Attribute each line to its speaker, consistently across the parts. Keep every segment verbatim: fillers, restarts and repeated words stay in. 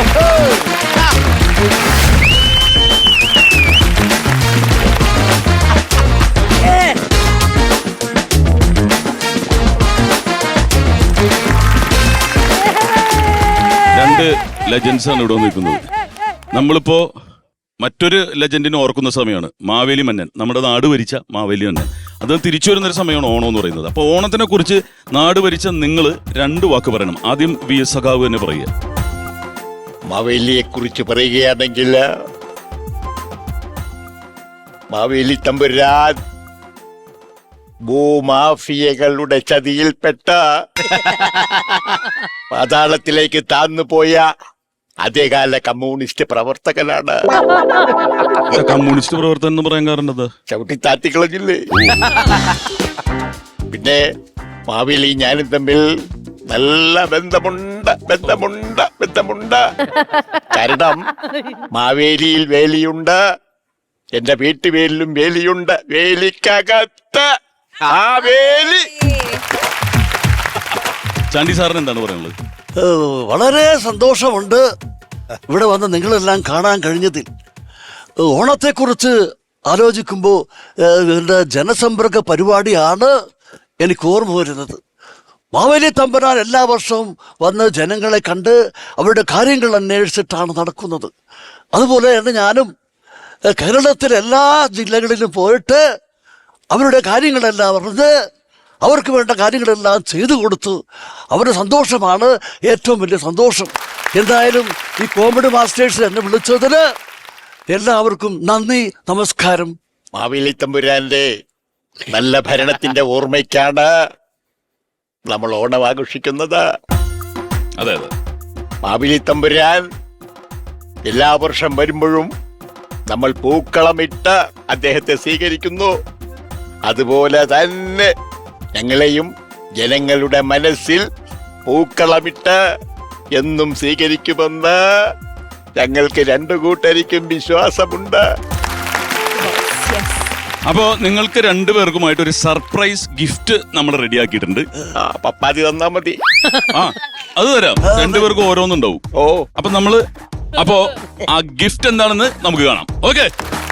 Speaker 1: രണ്ട് ലെജൻസ് ആണ് ഇവിടെ നിൽക്കുന്നത്. നമ്മളിപ്പോ മറ്റൊരു ലെജൻഡിനെ ഓർക്കുന്ന സമയമാണ് മാവേലി മന്നൻ, നമ്മുടെ നാട് ഭരിച്ച മാവേലി മന്നൻ. അത് തിരിച്ചു വരുന്നൊരു സമയമാണ് ഓണം എന്ന് പറയുന്നത്. അപ്പൊ ഓണത്തിനെ കുറിച്ച് നാട് ഭരിച്ച നിങ്ങൾ രണ്ട് വാക്ക് പറയണം. ആദ്യം വി എസ് സഖാവ് തന്നെ പറയുക.
Speaker 2: മാവേലിയെ കുറിച്ച് പറയുകയാണെങ്കിൽ മാവേലി തമ്പുരാൻ ഭൂമാഫിയകളുടെ ചതിയിൽപ്പെട്ട പാതാളത്തിലേക്ക് താന്നു പോയ അതേകാല കമ്മ്യൂണിസ്റ്റ് പ്രവർത്തകനാണ്.
Speaker 1: കമ്മ്യൂണിസ്റ്റ് പ്രവർത്തകൻ എന്ന് പറയാൻ കാരണം എന്താ?
Speaker 2: ചവിട്ടി താത്തിക്കളഞ്ഞില്ലേ. പിന്നെ മാവേലി ഞാനും തമ്മിൽ നല്ല ബന്ധമുണ്ട് ബന്ധമുണ്ട് ബന്ധമുണ്ട് കാരണം മാവേലിയിൽ വേലിയുണ്ട്, എന്റെ വീട്ടുവേലിലും വേലിയുണ്ട്. വേലിക്കകത്ത് ആ വേലി.
Speaker 1: ചാണ്ടി സാറിന് എന്താണ് പറയാനുള്ളത്?
Speaker 3: വളരെ സന്തോഷമുണ്ട് ഇവിടെ വന്ന് നിങ്ങളെല്ലാം കാണാൻ കഴിഞ്ഞതിൽ. ഓണത്തെക്കുറിച്ച് ആലോചിക്കുമ്പോൾ എൻ്റെ ജനസമ്പർക്ക പരിപാടിയാണ് എനിക്ക് ഓർമ്മ വരുന്നത്. മാവേലി തമ്പുരാൻ എല്ലാ വർഷവും വന്ന് ജനങ്ങളെ കണ്ട് അവരുടെ കാര്യങ്ങൾ അന്വേഷിച്ചിട്ടാണ് നടക്കുന്നത്. അതുപോലെ തന്നെ ഞാനും കേരളത്തിലെ എല്ലാ ജില്ലകളിലും പോയിട്ട് അവരുടെ കാര്യങ്ങളെല്ലാം അറിഞ്ഞ് അവർക്ക് വേണ്ട കാര്യങ്ങളെല്ലാം ചെയ്തു കൊടുത്തു. അവരുടെ സന്തോഷമാണ് ഏറ്റവും വലിയ സന്തോഷം. എന്തായാലും ഈ കോമഡി മാസ്റ്റേഴ്സ് എന്നെ വിളിച്ചതിന് എല്ലാവർക്കും നന്ദി, നമസ്കാരം.
Speaker 2: മാവേലി തമ്പുരാന്റെ നല്ല ഭരണത്തിന്റെ ഓർമ്മയ്ക്കാണ് നമ്മൾ ഓണം ആഘോഷിക്കുന്നത്.
Speaker 1: അതെ അതെ,
Speaker 2: മാവേലി തമ്പുരാൻ എല്ലാ വർഷം വരുമ്പോഴും നമ്മൾ പൂക്കളമിട്ട് അദ്ദേഹത്തെ സ്വീകരിക്കുന്നു. അതുപോലെ തന്നെ ഞങ്ങളെയും ജനങ്ങളുടെ മനസ്സിൽ പൂക്കളമിട്ട് എന്നും സ്വീകരിക്കുമെന്ന് ഞങ്ങൾക്ക് രണ്ടു കൂട്ടരിക്കും വിശ്വാസമുണ്ട്.
Speaker 1: അപ്പോ നിങ്ങൾക്ക് രണ്ടുപേർക്കുമായിട്ട് ഒരു സർപ്രൈസ് ഗിഫ്റ്റ് നമ്മൾ റെഡിയാക്കിയിട്ടുണ്ട്.
Speaker 2: ആ പപ്പാതി തന്നാ മതി.
Speaker 1: ആ അത് തരാം. രണ്ടുപേർക്കും ഓരോന്നുണ്ടാവും.
Speaker 2: ഓ
Speaker 1: അപ്പൊ നമ്മള് അപ്പോ ആ ഗിഫ്റ്റ് എന്താണെന്ന് നമുക്ക് കാണാം. ഓക്കെ,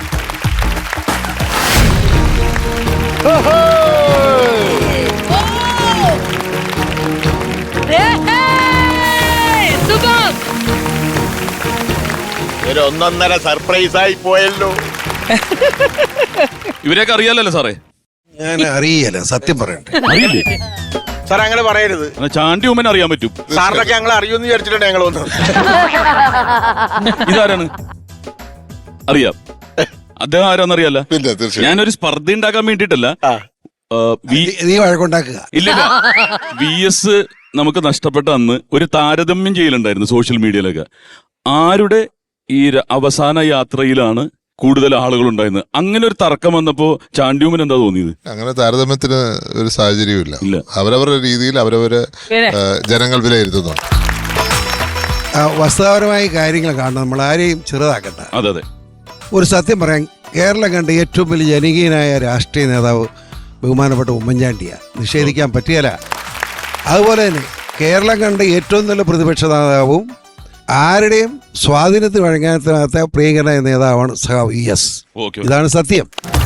Speaker 2: ഒരു ഒന്നൊന്നര സർപ്രൈസ് ആയി പോയല്ലോ.
Speaker 1: ഇവരെയൊക്കെ അറിയാലല്ലോ സാറേ?
Speaker 4: ഞാൻ അറിയില്ല, സത്യം പറയട്ടെ.
Speaker 1: അറിയില്ലേ
Speaker 2: സാർ? അങ്ങനെ പറയരുത്.
Speaker 1: ചാണ്ടി ഉമ്മൻ അറിയാൻ പറ്റും.
Speaker 2: സാറിനൊക്കെ ഞങ്ങൾ അറിയുമെന്ന് വിചാരിച്ചിട്ടുണ്ട് ഞങ്ങൾ വന്നു.
Speaker 1: ഇതാരാണ്? അറിയാം. അദ്ദേഹം ആരാന്നറിയാല്ല. ഞാനൊരു സ്പർദ്ധ ഉണ്ടാക്കാൻ വേണ്ടിട്ടല്ല.
Speaker 4: നീ വഴക്കുണ്ടാക്കുക.
Speaker 1: ഇല്ലില്ല, വി എസ് നമുക്ക് നഷ്ടപ്പെട്ട അന്ന് ഒരു താരതമ്യം ചെയ്യലുണ്ടായിരുന്നു സോഷ്യൽ മീഡിയയിലൊക്കെ. ആരുടെ ഈ അവസാന യാത്രയിലാണ് കൂടുതൽ ആളുകൾ ഉണ്ടായിരുന്നത്? അങ്ങനെ ഒരു തർക്കം വന്നപ്പോ ചാണ്ടിയുമ്മൻ എന്താ തോന്നിയത്?
Speaker 5: അങ്ങനെ താരതമ്യത്തിന് ഒരു സാഹചര്യമില്ല. അവരവരുടെ രീതിയിൽ അവരവരെ ജനങ്ങൾ വിലയിരുത്തുന്നുണ്ട്.
Speaker 4: വസ്തുതാപരമായ കാര്യങ്ങൾ കാണണം, നമ്മൾ ആരെയും ചെറുതാക്കണ്ട.
Speaker 1: അതെ അതെ,
Speaker 4: ഒരു സത്യം പറയാൻ, കേരളം കണ്ട ഏറ്റവും വലിയ ജനകീയനായ രാഷ്ട്രീയ നേതാവ് ബഹുമാനപ്പെട്ട ഉമ്മൻചാണ്ടിയാണ്, നിഷേധിക്കാൻ പറ്റിയല്ല. അതുപോലെ തന്നെ കേരളം കണ്ട ഏറ്റവും നല്ല പ്രതിപക്ഷ നേതാവും ആരുടെയും സ്വാധീനത്തിന് വഴങ്ങാത്ത പ്രിയങ്കരനായ നേതാവാണ് സഖാവ് ഇ എസ്. ഇതാണ് സത്യം.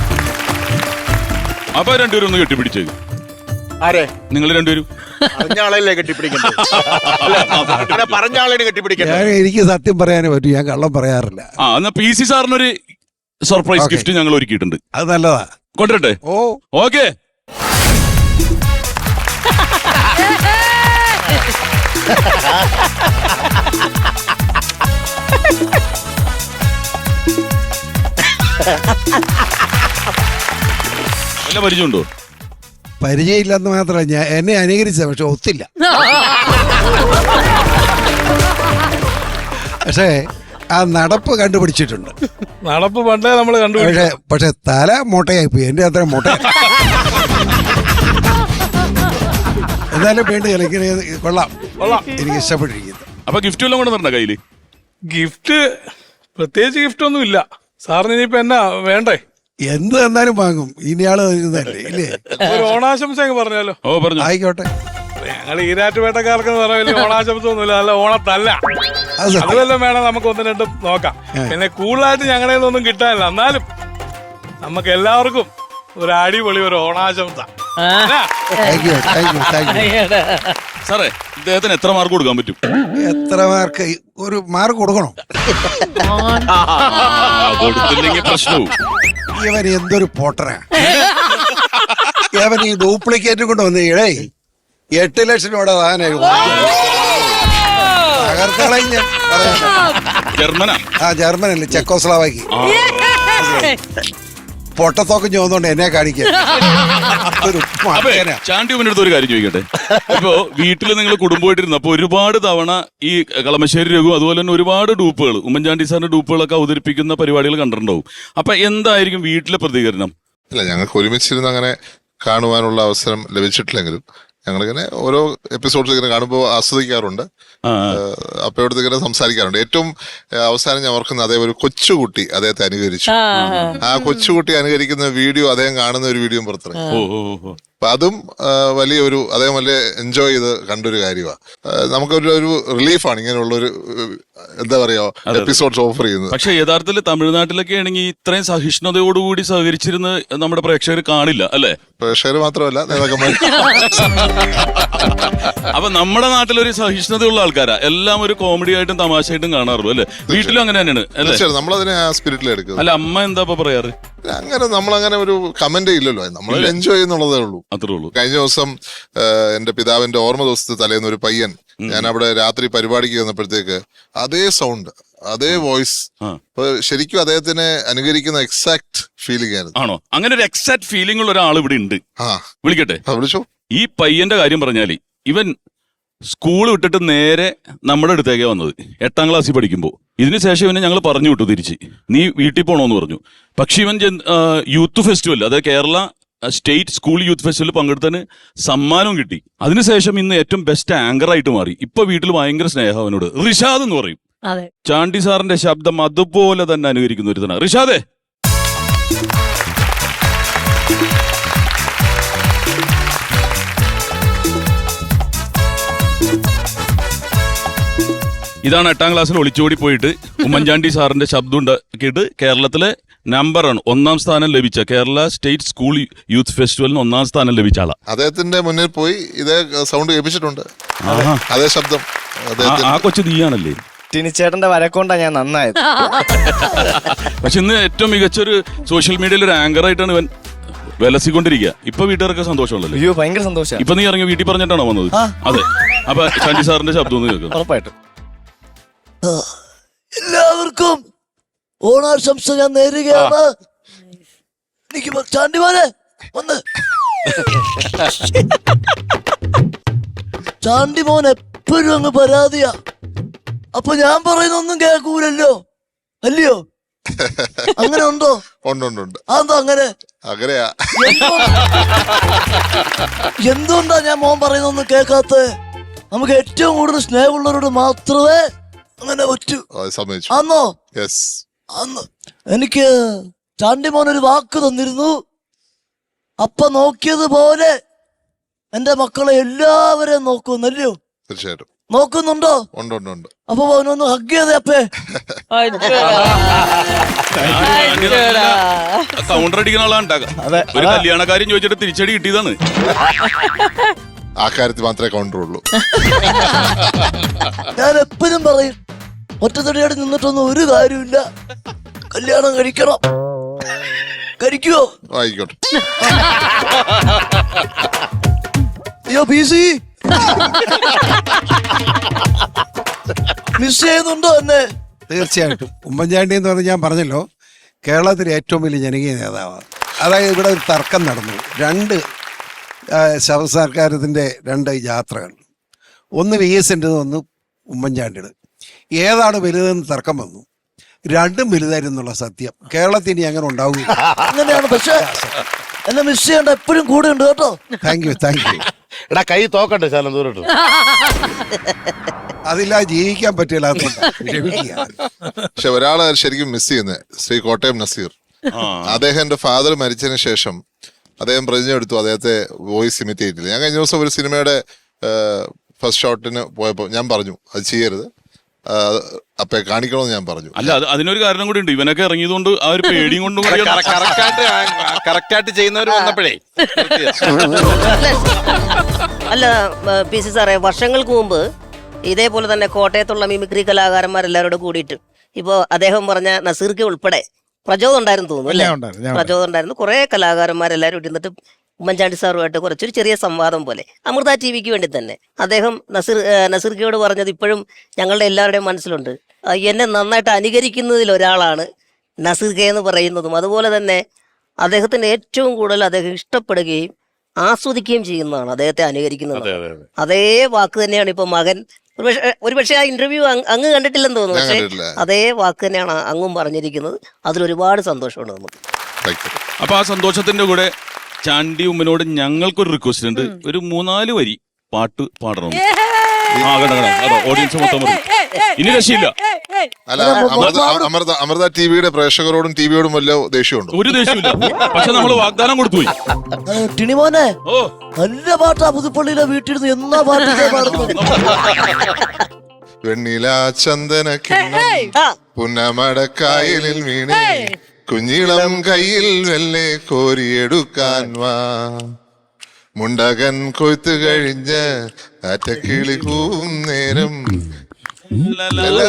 Speaker 1: അപ്പൊ രണ്ടുപേരും ഒന്ന് കെട്ടിപ്പിടിച്ചേ.
Speaker 2: ആരെ?
Speaker 1: നിങ്ങൾ രണ്ടുപേരും
Speaker 2: പറഞ്ഞ ആളല്ലേ കെട്ടിപ്പിടിക്കുന്നത്? പറഞ്ഞ ആളെ കെട്ടിപ്പിടിക്കുന്നത്.
Speaker 4: എനിക്ക് സത്യം പറയാനേ പറ്റൂ, ഞാൻ കള്ളം പറയാറില്ല.
Speaker 1: ആ എന്നാ പി സി സാറിനൊരു സർപ്രൈസ് ഗിഫ്റ്റ് ഞങ്ങൾ ഒരുക്കിയിട്ടുണ്ട്.
Speaker 4: അത് നല്ലതാ,
Speaker 1: കൊണ്ടുവരട്ടെ?
Speaker 4: ഓ
Speaker 1: ഓക്കെ. വല്ല പരിചയമുണ്ടോ?
Speaker 4: പരിചയമില്ലെന്ന് മാത്രമല്ല, ഞാൻ എന്നെ അനുകരിച്ച, പക്ഷെ ഒത്തില്ല. പക്ഷേ ആ നടപ്പ് കണ്ടുപിടിച്ചിട്ടുണ്ട്.
Speaker 6: നടപ്പ് പണ്ടേ നമ്മൾ കണ്ടുപിടിച്ചു.
Speaker 4: പക്ഷെ പക്ഷെ തല മോട്ടയായി പോയി, എന്റെ അത്ര മോട്ട. എന്നാലും വേണ്ടി കളിക്കുന്ന കൊള്ളാം കൊള്ളാം, എനിക്ക് ഇഷ്ടപ്പെട്ടിരിക്കുന്നു.
Speaker 1: അപ്പൊ ഗിഫ്റ്റ് എല്ലാം കൊണ്ട് തരണ്ട കയ്യില്?
Speaker 6: ഗിഫ്റ്റ് പ്രത്യേകിച്ച് ഗിഫ്റ്റ് ഒന്നും ഇല്ല സാറിന്. ഇനിയിപ്പോ എന്നാ വേണ്ടേ?
Speaker 4: എന്ത് തന്നാലും വാങ്ങും. ഇനിയാള് തരുന്നതല്ലേ, ഇല്ലേ?
Speaker 6: ഒരു ഓണാശംസ അങ്ങ് പറഞ്ഞാലോ?
Speaker 1: ഓ പറഞ്ഞു.
Speaker 4: ആയിക്കോട്ടെ.
Speaker 6: ഞങ്ങൾ ഈരാറ്റുപേട്ടക്കാർക്ക് പറഞ്ഞ വലിയ ഓണാശംസ ഒന്നുമില്ല, നല്ല ഓണത്തല്ല.
Speaker 4: അത് സത്യം.
Speaker 6: അതുവല്ലം വേണം നമുക്ക് ഒന്ന് രണ്ടും നോക്കാം. പിന്നെ കൂടുതലായിട്ട് ഞങ്ങളുടെ ഒന്നും കിട്ടാനില്ല, എന്നാലും നമുക്ക് എല്ലാവർക്കും ഒരു അടിപൊളി ഒരു ഓണാശംസ.
Speaker 4: Thank you thank you thank you.
Speaker 1: സാറേ ഇദ്ദേഹത്തിന് എത്ര മാർക്ക് കൊടുക്കാൻ പറ്റും?
Speaker 4: എത്ര മാർക്ക്? ഒരു മാർക്ക് കൊടുക്കണം.
Speaker 1: ആ, കൊടുത്തില്ലെങ്കിൽ പ്രശ്നവും.
Speaker 4: ഇവൻ എന്തൊരു പോട്ടറാ. ഇവൻ ഈ ഡ്യൂപ്ലിക്കേറ്റ് കൊണ്ട് വന്ന് ഇടേ എട്ട് ലക്ഷം രൂപയുടെ സാധനം തകർക്കളയും ഞാൻ പറയാം.
Speaker 1: ജർമ്മനാ?
Speaker 4: ആ ജർമ്മനല്ലേ, ചെക്കോസ്ലാവാക്കി. പൊട്ടത്തോക്കം ചോദിച്ചോണ്ട് എന്നെ കാണിക്കാൻ. ഒരു
Speaker 1: അപ്പൊ
Speaker 4: മകനാ.
Speaker 1: ചാണ്ടി ഉമ്മൻ്റെ ഒരു കാര്യം ചോദിക്കട്ടെ. ഇപ്പോ വീട്ടിൽ നിങ്ങൾ കുടുംബമായിട്ടിരുന്നു, അപ്പൊ ഒരുപാട് തവണ ഈ കളമശ്ശേരി രഘു അതുപോലെ തന്നെ ഒരുപാട് ഡൂപ്പുകൾ, ഉമ്മൻചാണ്ടി സാറിന്റെ ഡൂപ്പുകളൊക്കെ അവതരിപ്പിക്കുന്ന പരിപാടികൾ കണ്ടിട്ടുണ്ടാവും. അപ്പൊ എന്തായിരിക്കും വീട്ടിലെ പ്രതികരണം?
Speaker 5: ഇല്ല, ഞങ്ങൾക്ക് ഒരുമിച്ചിരുന്ന് അങ്ങനെ കാണുവാനുള്ള അവസരം ലഭിച്ചിട്ടില്ലെങ്കിലും ഞങ്ങളിങ്ങനെ ഓരോ എപ്പിസോഡ്സ് ഇങ്ങനെ കാണുമ്പോൾ ആസ്വദിക്കാറുണ്ട്. അപ്പയോടത്ത് ഇങ്ങനെ സംസാരിക്കാറുണ്ട്. ഏറ്റവും ഏഹ്, അവസാനം ഞാൻ ഓർക്കുന്ന അതേ ഒരു കൊച്ചുകുട്ടി അദ്ദേഹത്തെ അനുകരിച്ചു. ആ കൊച്ചുകുട്ടി അനുകരിക്കുന്ന വീഡിയോ അദ്ദേഹം കാണുന്ന ഒരു വീഡിയോ പുറത്തിറങ്ങി.
Speaker 1: ഓ ഓ ഓ.
Speaker 5: അപ്പൊ അതും ആ, വലിയൊരു അദ്ദേഹം വലിയ എൻജോയ് ചെയ്ത് കണ്ടൊരു കാര്യമാണ്. നമുക്കൊരു ഒരു റിലീഫാണ് ഇങ്ങനെയുള്ള ഒരു എന്താ പറയാ എപ്പിസോഡ്സ് ഓഫർ ചെയ്യുന്നത്.
Speaker 1: പക്ഷെ യഥാർത്ഥത്തിൽ തമിഴ്നാട്ടിലൊക്കെ ആണെങ്കിൽ ഇത്രയും സഹിഷ്ണുതയോടുകൂടി സഹകരിച്ചിരുന്ന് നമ്മുടെ പ്രേക്ഷകർ കാണില്ല അല്ലെ?
Speaker 5: പ്രേക്ഷകർ മാത്രമല്ല നേതാക്കന്മാർ.
Speaker 1: അപ്പൊ നമ്മുടെ നാട്ടിലൊരു സഹിഷ്ണുതയുള്ള ആൾക്കാരാ, എല്ലാം ഒരു കോമഡി ആയിട്ടും തമാശയായിട്ടും കാണാറുള്ളൂ അല്ലെ? വീട്ടിലും അങ്ങനെ തന്നെയാണ് അല്ലെ?
Speaker 5: തീർച്ചയായിട്ടും നമ്മളതിനെ ആ സ്പിരിറ്റിൽ എടുക്കുന്നത്.
Speaker 1: അല്ല അമ്മ എന്താ ഇപ്പൊ പറയാറ്?
Speaker 5: അങ്ങനെ നമ്മളങ്ങനെ ഒരു കമന്റ് ഇല്ലല്ലോ, നമ്മൾ എൻജോയ് ചെയ്യുന്നുള്ളതേ ഉള്ളൂ.
Speaker 1: അത്രേ ഉള്ളൂ.
Speaker 5: കഴിഞ്ഞ ദിവസം എന്റെ പിതാവിന്റെ ഓർമ്മ ദിവസത്തെ തലേന്ന് ഒരു പയ്യൻ, ഞാൻ അവിടെ രാത്രി പരിപാടിക്ക് വന്നപ്പോഴത്തേക്ക് അതേ സൗണ്ട് അതേ വോയിസ്, അപ്പൊ ശരിക്കും അദ്ദേഹത്തിനെ അനുകരിക്കുന്ന എക്സാക്ട് ഫീലിംഗ് ആയിരുന്നു.
Speaker 1: ആണോ? അങ്ങനെ ഒരു എക്സാക്ട് ഫീലിംഗ് ഉള്ള ഒരാൾ ഇവിടെ ഉണ്ട്.
Speaker 5: ആ
Speaker 1: വിളിക്കട്ടെ?
Speaker 5: ആ, വിളിച്ചോ.
Speaker 1: ഈ പയ്യന്റെ കാര്യം പറഞ്ഞാല് ഇവൻ സ്കൂൾ വിട്ടിട്ട് നേരെ നമ്മുടെ അടുത്തേക്കാ വന്നത് എട്ടാം ക്ലാസ്സിൽ പഠിക്കുമ്പോൾ. ഇതിനുശേഷം ഇവനെ ഞങ്ങൾ പറഞ്ഞു വിട്ടു തിരിച്ച്, നീ വീട്ടിൽ പോകണമെന്ന് പറഞ്ഞു. പക്ഷെ ഇവൻ യൂത്ത് ഫെസ്റ്റിവൽ, അതായത് കേരള സ്റ്റേറ്റ് സ്കൂൾ യൂത്ത് ഫെസ്റ്റിവലിൽ പങ്കെടുത്തതിന് സമ്മാനവും കിട്ടി. അതിനുശേഷം ഇന്ന് ഏറ്റവും ബെസ്റ്റ് ആങ്കർ ആയിട്ട് മാറി. ഇപ്പൊ വീട്ടിൽ ഭയങ്കര സ്നേഹം അവനോട്. റിഷാദ് എന്ന് പറയും. ചാണ്ടി സാറിന്റെ ശബ്ദം അതുപോലെ തന്നെ അനുകരിക്കുന്ന ഒരു തന്നെ. റിഷാദേ, ഇതാണ് എട്ടാം ക്ലാസ്സിൽ ഒളിച്ചോടി പോയിട്ട് ഉമ്മൻചാണ്ടി സാറിന്റെ ശബ്ദം ഉണ്ടാക്കിയിട്ട് കേരളത്തിലെ നമ്പറാണ് ഒന്നാം സ്ഥാനം ലഭിച്ച കേരള സ്റ്റേറ്റ് സ്കൂൾ യൂത്ത് ഫെസ്റ്റിവലിന് ഒന്നാം സ്ഥാനം ലഭിച്ച ആളാ.
Speaker 5: അദ്ദേഹത്തിന്റെ മുന്നിൽ പോയി ഇതേ സൗണ്ട് കേൾപ്പിച്ചിട്ടുണ്ട്,
Speaker 1: ആഹാ.
Speaker 5: അതേ ശബ്ദം.
Speaker 1: ആ- ആ കൊച്ചു നീയാണല്ലേ?
Speaker 7: ടിനിച്ചേട്ടന്റെ വരക്കൊണ്ടാ ഞാൻ നന്നായത്.
Speaker 1: പക്ഷെ ഇന്ന് ഏറ്റവും മികച്ചൊരു സോഷ്യൽ മീഡിയയിൽ ഒരു ആങ്കർ ആയിട്ടാണ് ഇവൻ വിലസിക്കൊണ്ടിരിക്കുക. ഇപ്പൊ വീട്ടുകാർക്ക് സന്തോഷമുള്ളല്ലോ.
Speaker 7: അയ്യോ ഭയങ്കര സന്തോഷം.
Speaker 1: ഇപ്പൊ നീ ഇറങ്ങി വീട്ടിൽ പറഞ്ഞിട്ടാണോ വന്നത്? അതെ. അപ്പൊ ചാണ്ടി സാറിന്റെ ശബ്ദം ഒന്ന് കേൾക്കാം.
Speaker 7: ഉറപ്പായിട്ടും.
Speaker 3: എല്ലാവർക്കും ഓണാശംസ ഞാൻ നേരുകയാണ്. എനിക്ക് വ- ചാണ്ടിമാനെ വന്ന് ചാണ്ടി മോൻ എപ്പോഴും അങ്ങ് പരാതിയാ. അപ്പൊ ഞാൻ പറയുന്നൊന്നും കേൾക്കൂലല്ലോ, അല്ലയോ? അങ്ങനെ ഉണ്ടോ?
Speaker 5: ഉണ്ട് ഉണ്ട് ഉണ്ട്.
Speaker 3: അതെന്താ അങ്ങനെ?
Speaker 5: അങ്ങനെയാ.
Speaker 3: എന്തോ- എന്തുകൊണ്ടാ ഞാൻ മോൻ പറയുന്നൊന്നും കേൾക്കാത്ത? നമുക്ക് ഏറ്റവും കൂടുതൽ സ്നേഹമുള്ളവരോട് മാത്രമേ അങ്ങനെ പറ്റൂ.
Speaker 5: ആ, സമ്മതിച്ചു.
Speaker 3: ആന്നോ?
Speaker 5: യെസ്.
Speaker 3: അന്ന് എനിക്ക് ചാണ്ടി മോൻ ഒരു വാക്ക് തന്നിരുന്നു. അപ്പ നോക്കിയതുപോലെ എന്റെ മക്കളെ എല്ലാവരെയും നോക്കുന്നല്ലോ.
Speaker 5: തീർച്ചയായിട്ടും
Speaker 3: നോക്കുന്നുണ്ടോ?
Speaker 5: ഉണ്ട് ഉണ്ട് ഉണ്ട്.
Speaker 3: അപ്പൊ അവനൊന്ന് ഹഗ് ചെയ്തേ അപ്പേ.
Speaker 1: കൗണ്ടർ അടിക്കുന്ന ആളാണ് ഉണ്ടാക്കുക. ഒരു കല്യാണക്കാര്യം ചോദിച്ചിട്ട് തിരിച്ചടി കിട്ടിയതാണ്.
Speaker 5: ആ കാര്യത്തിൽ മാത്രമേ കൗണ്ടറുള്ളൂ.
Speaker 3: ഞാൻ എപ്പോഴും പറയും, ഒറ്റത്തടിയായിട്ട് നിന്നിട്ടൊന്നും ഒരു കാര്യമില്ല. കല്യാണം കഴിക്കണം. കഴിക്കുവോ?
Speaker 5: ആയിക്കോട്ടെ.
Speaker 3: അയ്യോ പി സി മിസ് ചെയ്യുന്നുണ്ടോ എന്നെ?
Speaker 4: തീർച്ചയായിട്ടും. ഉമ്മൻചാണ്ടി എന്ന് പറഞ്ഞ് ഞാൻ പറഞ്ഞല്ലോ, കേരളത്തിലെ ഏറ്റവും വലിയ ജനകീയ നേതാവാണ്. അതായത് ഇവിടെ ഒരു തർക്കം നടന്നു. രണ്ട് ശവ സർക്കാരത്തിൻ്റെ രണ്ട് യാത്രകൾ, ഒന്ന് വി എസിൻ്റെ, ഒന്ന് ഉമ്മൻചാണ്ടിയുടെ. ഏതാണ് വലുതെന്ന് തർക്കം വന്നു. രണ്ടും വലുതായിരുന്നുള്ള സത്യം കേരളത്തിൽ ഇനി അങ്ങനെ ഉണ്ടാവുക.
Speaker 3: അങ്ങനെയാണ്. പക്ഷെ എന്നെ മിസ് ചെയ്യേണ്ട എപ്പോഴും കൂടെ ഉണ്ട് കേട്ടോ.
Speaker 4: Thank you thank you.
Speaker 2: എടാ കൈ തോക്കട്ടെ ശാലം ദൂരട്ടു.
Speaker 4: അതില്ലാതെ ജീവിക്കാൻ പറ്റില്ല.
Speaker 5: പക്ഷെ ഒരാളെ ശരിക്കും മിസ് ചെയ്യുന്നത് ശ്രീ കോട്ടയം നസീർ. അദ്ദേഹത്തിന്റെ ഫാദർ മരിച്ചതിന് ശേഷം അദ്ദേഹം പ്രതിജ്ഞ എടുത്തു അദ്ദേഹത്തെ വോയിസ് ഇമിറ്റേറ്റ് ചെയ്യില്ല. ഞാൻ കഴിഞ്ഞ ദിവസം ഒരു സിനിമയുടെ ഫസ്റ്റ് ഷോട്ടിന് പോയപ്പോൾ ഞാൻ പറഞ്ഞു അത് ചെയ്യരുത്, ആ, അപ്പെ കാണിക്കണമെന്ന് ഞാൻ പറഞ്ഞു.
Speaker 1: അല്ല അത് അതിനൊരു കാരണം കൂടി ഉണ്ട്. ഇവനൊക്കെ ഇറങ്ങിയതുകൊണ്ട് ആ ഒരു പേടിയും കൊണ്ടും കൂടിയാണ്.
Speaker 2: കറക്റ്റായിട്ട് കറക്റ്റായിട്ട് ചെയ്യുന്നവർ വന്നപ്പോഴേ
Speaker 8: അല്ല പി സി സാറേ, വർഷങ്ങൾക്ക് മുമ്പ് ഇതേപോലെ തന്നെ കോട്ടയത്തുള്ള മിമിക്രി കലാകാരന്മാരെല്ലാവരോടും കൂടിയിട്ട് ഇപ്പോൾ അദ്ദേഹം പറഞ്ഞ നസീർക്ക് ഉൾപ്പെടെ പ്രചോദം ഉണ്ടായിരുന്നു തോന്നുന്നു അല്ലേ? പ്രചോദം ഉണ്ടായിരുന്നു. കുറെ കലാകാരന്മാരെല്ലാവരും ഇരുന്നിട്ട് ഉമ്മൻചാണ്ടി സാറുമായിട്ട് കുറച്ചൊരു ചെറിയ സംവാദം പോലെ അമൃത ടി വിക്ക് വേണ്ടി തന്നെ അദ്ദേഹം നസീർ നസീർക്കയോട് പറഞ്ഞത് ഇപ്പോഴും ഞങ്ങളുടെ എല്ലാവരുടെയും മനസ്സിലുണ്ട്. ആ, എന്നെ നന്നായിട്ട് അനുകരിക്കുന്നതിൽ ഒരാളാണ് നസീർ കെ എന്ന് പറയുന്നതും അതുപോലെ തന്നെ അദ്ദേഹത്തിന് ഏറ്റവും കൂടുതൽ അദ്ദേഹം ഇഷ്ടപ്പെടുകയും ആസ്വദിക്കുകയും ചെയ്യുന്നതാണ് അദ്ദേഹത്തെ അനുകരിക്കുന്നത്. അതേ വാക്ക് തന്നെയാണ് ഇപ്പൊ മകൻ ഒരുപക്ഷെ ഒരുപക്ഷെ ആ ഇന്റർവ്യൂ അങ്ങ് കണ്ടിട്ടില്ലെന്ന് തോന്നുന്നു.
Speaker 5: ഞാൻ
Speaker 8: പക്ഷെ
Speaker 5: കണ്ടിട്ടില്ല.
Speaker 8: അതേ വാക്ക് തന്നെയാണ് അങ്ങും പറഞ്ഞിരിക്കുന്നത്. അതിലൊരുപാട് സന്തോഷമുണ്ട് നമുക്ക്.
Speaker 5: Thank you.
Speaker 1: അപ്പൊ ആ സന്തോഷത്തിന്റെ കൂടെ ചാണ്ടി ഉമ്മനോട് ഞങ്ങൾക്കൊരു റിക്വസ്റ്റ് ഉണ്ട്. ഒരു മൂന്നാല് വരി പാട്ട് പാടണം. ആ കണ്ട കണ്ട അതോ ഓഡിയൻസ് മൊത്തം പറയും. ഇനി രക്ഷയില്ല.
Speaker 5: അല്ല അമൃത അമൃത അമൃത ടിവിയുടെ പ്രേക്ഷകരോടും ടിവിയോടും വല്ല ദേഷ്യമുണ്ടോ?
Speaker 1: ഒരു ദേഷ്യമില്ല. പക്ഷെ നമ്മള് വാഗ്ദാനം കൊടുത്തുപോയി.
Speaker 3: ടിണിമോനെ
Speaker 1: ഓ
Speaker 3: നല്ല പാട്ടാ പുതുപ്പള്ളിയിലെ വീട്ടിരുന്ന് എന്നാ പാട്ട് പാടുന്നത്.
Speaker 5: വെണ്ണില ചന്ദന പുന്നമടക്കായലിൽ വീണേ കുഞ്ഞിളം കയ്യിൽ വെല്ലെ കോരിയെടുക്കാൻ വാ മുണ്ടകൻ കൊയ്ത്തു കഴിഞ്ഞ് അറ്റക്കിളി കൂവും നേരം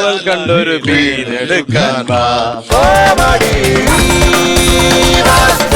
Speaker 2: കണ്ടൊരു
Speaker 5: വീണെടുക്കാൻ വാ